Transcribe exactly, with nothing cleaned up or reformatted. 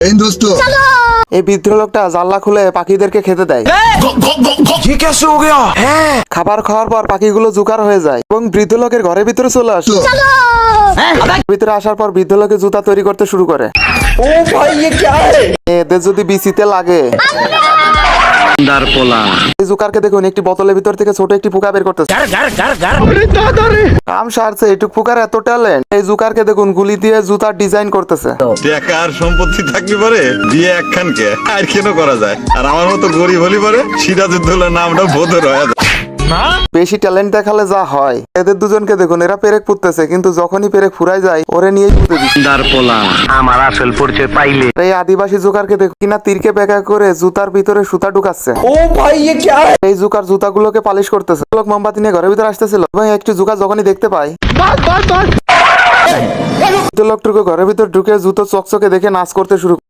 এই দোস্ত এই বৃদ্ধ লোকটা জানলা খুলে পাখিদেরকে খেতে দেয়। হ্যাঁ, খাবার খাওয়ার পর পাখিগুলো জুকার হয়ে যায় এবং বৃদ্ধ লোকের ঘরের ভিতরে চলে আসলো। ভিতরে আসার পর বৃদ্ধ লোকে জুতা তৈরি করতে শুরু করে। এদের যদি বিচিতে লাগে, এই জুকারকে দেখুন একটি বোতলের ভিতর থেকে ছোট একটি পোকা বের করতেছে। কাম সারছে, এটুক পোকার এত ট্যালেন্ট। এই জুকারকে দেখুন গুলি দিয়ে জুতার ডিজাইন করতেছে। টাকা আর সম্পত্তি থাকলে পারে বিয়ে একখানকে আর কেন করা যায়, আর আমার মতো গরিব হলি পারে সিরাজউদ্দৌলার নামটা বোধর হয়ে যায়। বেশি ট্যালেন্ট দেখালে যা হয়। এদের দুজনকে দেখুন, এরা পেরেক পুঁততেছে, কিন্তু যখনই পেরেক ফুরাই যায় ওরে নিয়েই পুঁতে দিচ্ছে। আমার আসল পরিচয় পাইলে এই আদিবাসী জুকারকে দেখুন কিনা তীরকে বেঁকা করে জুতার ভিতরে সুতা ঢুকাচ্ছে। এই জুকার জুতাগুলোকে পালিশ করতেছে। লোক মোমবাতি নিয়ে ঘরের ভিতরে আসতেছিল এবং একটি জুকার যখনই দেখতে পায়, লোকটুকু ঘরের ভিতর ঢুকে জুতো চকচকে দেখে নাচ করতে শুরু